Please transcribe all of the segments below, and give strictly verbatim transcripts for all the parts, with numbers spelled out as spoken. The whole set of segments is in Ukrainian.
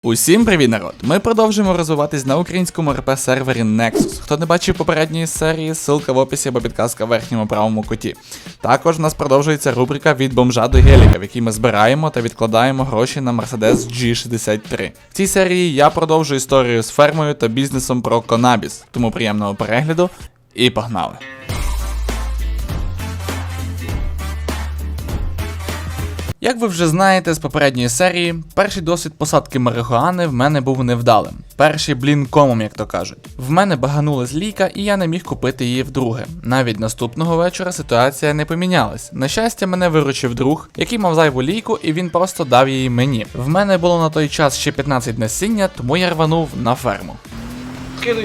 Усім привіт, народ! Ми продовжуємо розвиватись на українському РП сервері Nexus. Хто не бачив попередньої серії, ссылка в описі або підказка в верхньому правому куті. Також у нас продовжується рубрика від бомжа до геліка, в якій ми збираємо та відкладаємо гроші на Mercedes джі шістдесят три. В цій серії я продовжую історію з фермою та бізнесом про канабіс. Тому приємного перегляду і погнали! Як ви вже знаєте з попередньої серії, перший досвід посадки марихуани в мене був невдалим. Перший блін комом, як то кажуть. В мене баганулась лійка і я не міг купити її вдруге. Навіть наступного вечора ситуація не помінялась. На щастя, мене виручив друг, який мав зайву лійку, і він просто дав її мені. В мене було на той час ще п'ятнадцять насіння, тому я рванув на ферму. Кидай.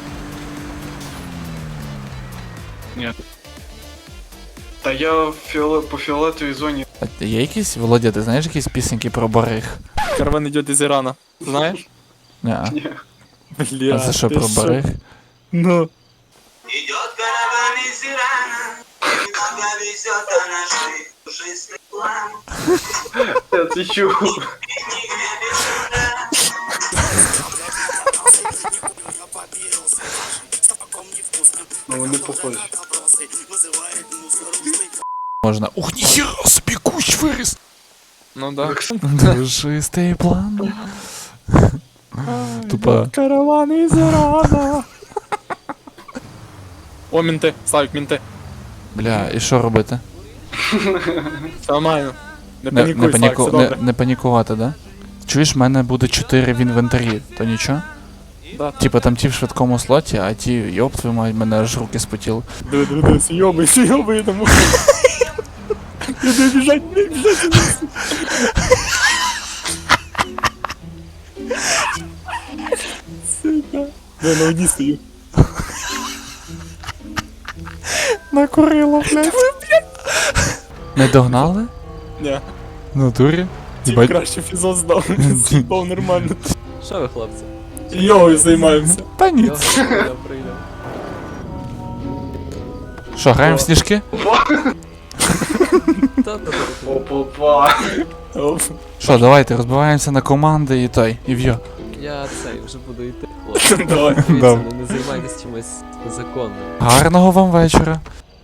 Нет. Та я в фіоле... по фіолетовій зоні. А є якісь, Володя, ти знаєш якісь пісеньки про бариг? Караван идет из Ирана. Знаешь? Неа. Ні. Бля, А це що ты про шо? бариг? Ну. Идет караван из Ирана, немного везет, а наши пушистый план. Я це чув. И нигде без труда. Ну вони похожі. Можна. Ух, ніхера собі кущ виріс! Ну да. Душистий план. Тупо. Караван из Ирана. О, менты. Славик, менты. Бля, і що робити? Все нормально. Не Не, панікуй, не, Славик, паніку... все не, добре. не панікувати, да? Чуєш, в мене буде чотири в інвентарі, то нічого? Да. Типа там ті в швидкому слоті, а ті, йоп, твою мать, мене аж руки спотіли. Диви, диви, диви, съебай, съебай тому. Иди бежать, не бежать. Сука. Я на воді стою. Накурило, блядь. Не догнали? Ні. На дурі? Тіп Бать. краще фізон здав. З'їбав нормально. Що ви, хлопці? Йогою займаємося. Та ні. Я, я прийняв. Що, граємо в сніжки? Та-та-та. Опа-па. Оп. Що, давайте, розбиваємося на команди і той, і в'йо. Я цей вже буду йти, хлопці. Давай. Дивіться, Да. не, не займайтесь чимось незаконним. Гарного вам вечора.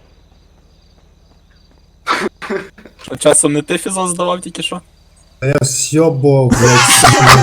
Що, часом не ти фізон здавав тільки що? Я съебал, блядь.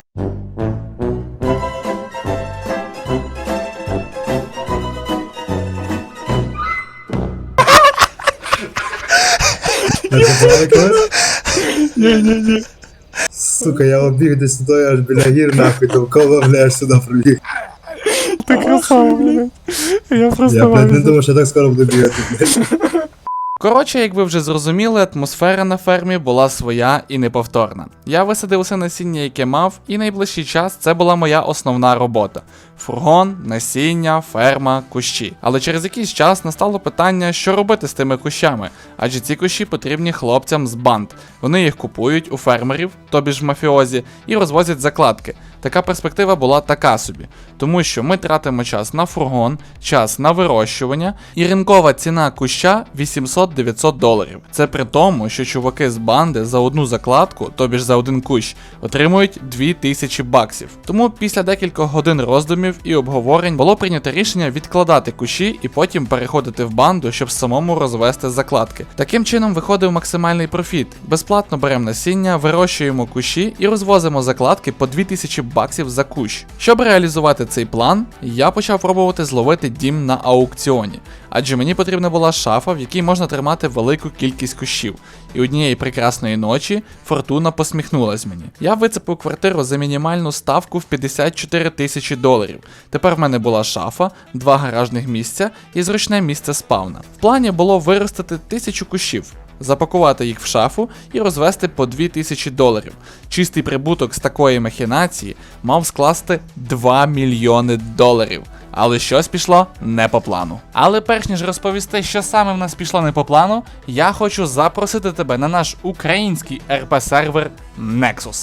Это было класс? Ні-ні-ні. Сука, я убіг десь туди, аж біля гір, нахуй, довкола, блядь, сюди пробіг. Ти красава, блядь. Я просто Я, блядь, не думав, що я так скоро буду бігати, блядь. Коротше, як ви вже зрозуміли, атмосфера на фермі була своя і неповторна. Я висадив усе насіння, яке мав, і найближчий час це була моя основна робота. Фургон, насіння, ферма, кущі. Але через якийсь час настало питання, що робити з тими кущами, адже ці кущі потрібні хлопцям з банд. Вони їх купують у фермерів, тобі ж мафіозі, і розвозять закладки. Така перспектива була така собі, тому що ми тратимо час на фургон, час на вирощування, і ринкова ціна куща вісімсот-дев'ятсот доларів. Це при тому, що чуваки з банди за одну закладку, тобі ж за один кущ, отримують дві тисячі баксів. Тому після декількох годин роздумів і обговорень було прийнято рішення відкладати кущі і потім переходити в банду, щоб самому розвести закладки. Таким чином виходив максимальний профіт. Безплатно беремо насіння, вирощуємо кущі і розвозимо закладки по дві тисячі баксів за кущ. Щоб реалізувати цей план, я почав пробувати зловити дім на аукціоні, адже мені потрібна була шафа, в якій можна тримати велику кількість кущів. І однієї прекрасної ночі фортуна посміхнулась мені. Я вицепив квартиру за мінімальну ставку в п'ятдесят чотири тисячі доларів. Тепер в мене була шафа, два гаражних місця і зручне місце спавна. В плані було виростити тисячу кущів, запакувати їх в шафу і розвести по дві тисячі доларів. Чистий прибуток з такої махінації мав скласти два мільйони доларів. Але щось пішло не по плану. Але перш ніж розповісти, що саме в нас пішло не по плану, я хочу запросити тебе на наш український РП-сервер Nexus.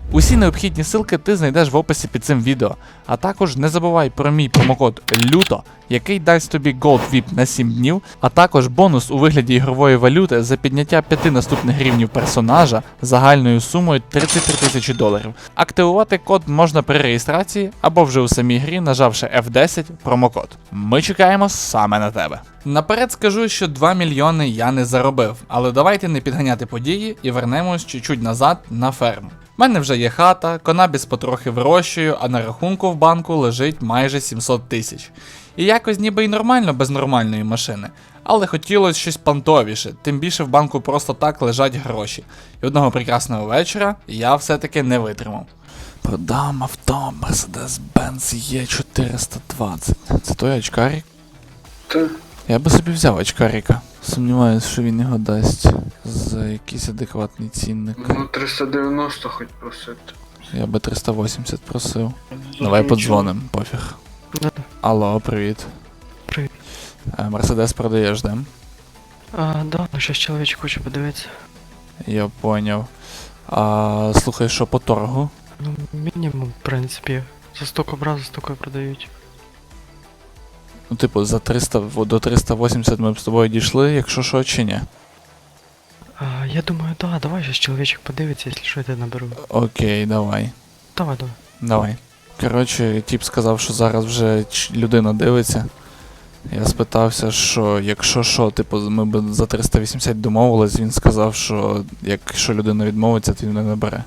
Усі необхідні ссылки ти знайдеш в описі під цим відео. А також не забувай про мій промокод люто, який дасть тобі Gold віп на сім днів, а також бонус у вигляді ігрової валюти за підняття п'яти наступних рівнів персонажа загальною сумою тридцять три тисячі доларів. Активувати код можна при реєстрації або вже у самій грі, нажавши еф десять промокод. Ми чекаємо саме на тебе. Наперед скажу, що два мільйони я не заробив, але давайте не підганяти події і вернемось чуть-чуть назад на ферму. У мене вже є хата, конабіс потрохи вирощую, а на рахунку в банку лежить майже сімсот тисяч. І якось ніби й нормально без нормальної машини, але хотілося щось пантовіше, тим більше в банку просто так лежать гроші. І одного прекрасного вечора я все-таки не витримав. Продам авто Mercedes-Benz Е чотириста двадцять. Це той очкарик? Та. Я би собі взяв очкарика. Сумніваюсь, що він його дасть за якийсь адекватний цінник. Ну, триста дев'яносто хоч просити. Я би триста вісімдесят просив. Давай подзвоним, пофіг. Алло, привіт. Привіт. Е, Мерседес продаєш, да? А, да, ну щас чоловічок хоче подивитися. Я поняв. А слухай, що по торгу? Ну, мінімум, в принципі. За стільки брав, за стільки продають. Ну, типу, за триста до триста вісімдесят ми б з тобою дійшли, якщо що, чи ні? А, я думаю, да, давай щас чоловічок подивиться, якщо що, я тебе наберу. Окей, давай. Давай, давай. Давай. Коротше, тіп сказав, що зараз вже ч- людина дивиться. Я спитався, що якщо що, типу, ми б за триста вісімдесят домовились, він сказав, що якщо людина відмовиться, то він не набере.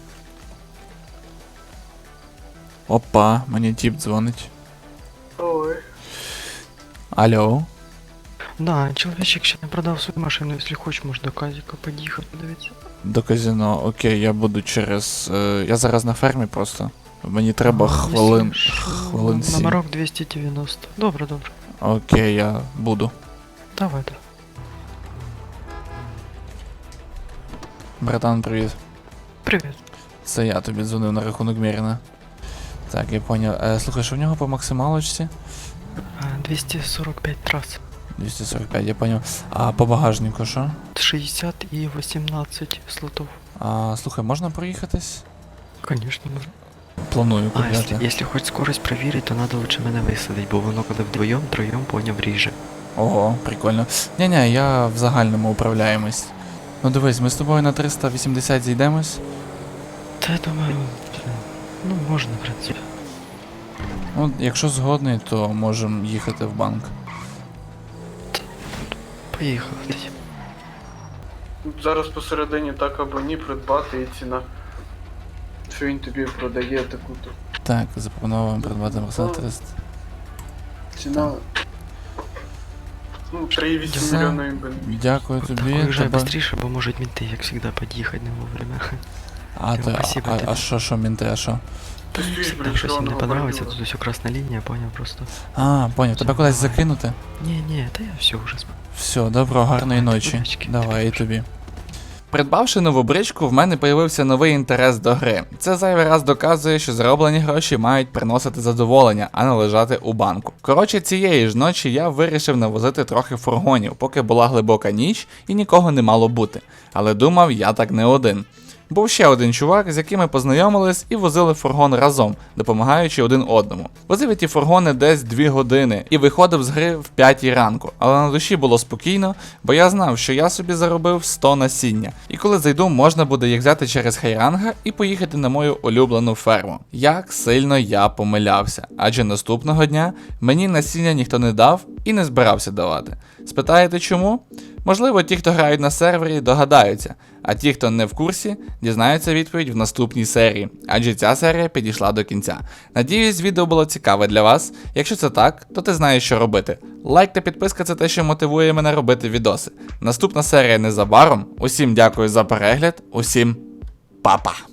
Опа, мені тіп дзвонить. Ой. Алло. Да, чоловічок ще не продав свою машину, якщо хочеш, можеш до Казіка під'їхати, подивитися. До казино, окей, я буду через. Е, я зараз на фермі просто. Мені треба А, хвилин. якщо що, хвилин сім. Номерок двісті дев'яносто. Добре, добре. Окей, я буду. Давай, давай. Братан, привіт. Привіт. Це я тобі дзвонив на рахунок Міріна. Так, я поняв. Е, слухай, що в нього по максималочці? А, двісті сорок п'ять трас. двісті сорок п'ять, я поняв. А по багажнику що? шістдесят і вісімнадцять слотов. А, слухай, можна проїхатись? Конечно, можно. Планую А, если, купляти. если хоть скорость проверить, то надо лучше мене висадить, бо воно коли вдвоєм, троєм, поняв, ріже. Ого, прикольно. Ні-ні, я в загальному управляємось. Ну дивись, ми з тобою на триста вісімдесят зійдемось. Та я думаю, ну можна, в принципі. Ну, якщо згодний, то можемо їхати в банк. Поїхали тоді. Зараз посередині так або ні придбати і ціна. Що він тобі продає таку-то. Так, запропонуємо придбати Мерседес триста. Ціна. Ну, три цілих вісім Все. мільйона імбен. Дякую Так, тобі. уїжджай тебе- быстріше, бо можуть мінти, як завжди, під'їхати не вовремя. А, то, Спасибо а, тобі. а що, що, мінти, а що? Ти стоїш Там біля щось їм не червоного понравиться, бордюра. тут ось красна лінія, поняв просто. А, поняв, тебе Все, кудись давай. закинути? Ні, ні, та я все вже спав. Все, добро, гарної Давай, ночі. удачки. Давай і тобі. Придбавши нову бричку, в мене появився новий інтерес до гри. Це зайвий раз доказує, що зароблені гроші мають приносити задоволення, а не лежати у банку. Коротше, цієї ж ночі я вирішив навозити трохи фургонів, поки була глибока ніч і нікого не мало бути. Але думав, я так не один. Був ще один чувак, з яким ми познайомились і возили фургон разом, допомагаючи один одному. Возив я ті фургони десь дві години і виходив з гри в п'ятій ранку, але на душі було спокійно, бо я знав, що я собі заробив сто насіння. І коли зайду, можна буде їх взяти через хайранга і поїхати на мою улюблену ферму. Як сильно я помилявся, адже наступного дня мені насіння ніхто не дав і не збирався давати. Спитаєте чому? Можливо, ті, хто грають на сервері, догадаються, а ті, хто не в курсі, дізнаються відповідь в наступній серії, адже ця серія підійшла до кінця. Надіюсь, відео було цікаве для вас. Якщо це так, то ти знаєш, що робити. Лайк та підписка – це те, що мотивує мене робити відоси. Наступна серія незабаром. Усім дякую за перегляд, усім па-па!